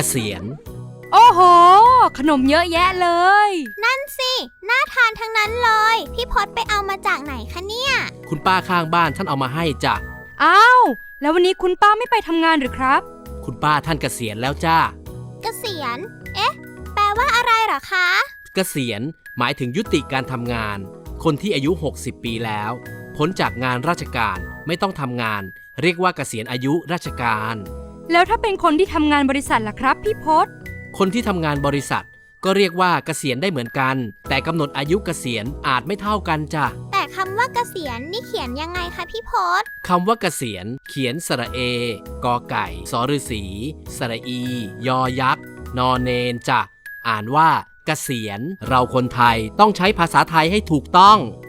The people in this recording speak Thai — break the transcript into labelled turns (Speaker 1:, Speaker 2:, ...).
Speaker 1: ษียณ
Speaker 2: โอ้โหขนมเยอะแยะเลย
Speaker 3: นั่นสิน่าทานทั้งนั้นเลยพี่พศไปเอามาจากไหนคะเนี่ย
Speaker 1: คุณป้าข้างบ้านท่านเอามาให้จ้ะ
Speaker 2: อ้าวแล้ววันนี้คุณป้าไม่ไปทำงานหรือครับ
Speaker 1: คุณป้าท่านเกษียณแล้วจ้า
Speaker 3: เกษียณแปลว่าอะไรเหรอคะ
Speaker 1: เกษียณหมายถึงยุติการทำงานคนที่อายุ60ปีแล้วพ้นจากงานราชการไม่ต้องทำงานเรียกว่าเกษียณอายุราชการ
Speaker 2: แล้วถ้าเป็นคนที่ทำงานบริษัทล่ะครับพี่พศ
Speaker 1: คนที่ทำงานบริษัทก็เรียกว่าเกษียณได้เหมือนกันแต่กำหนดอายุเกษียณอาจไม่เท่ากันจ้ะ
Speaker 3: แต่คำว่าเกษียณนี่เขียนยังไงคะพี่พศ
Speaker 1: คำว่าเกษียณเขียนสระเอกอไก่สอฤษีสระอียอยักษ์นอเนนจ้ะอ่านว่าเกษียณเราคนไทยต้องใช้ภาษาไทยให้ถูกต้อง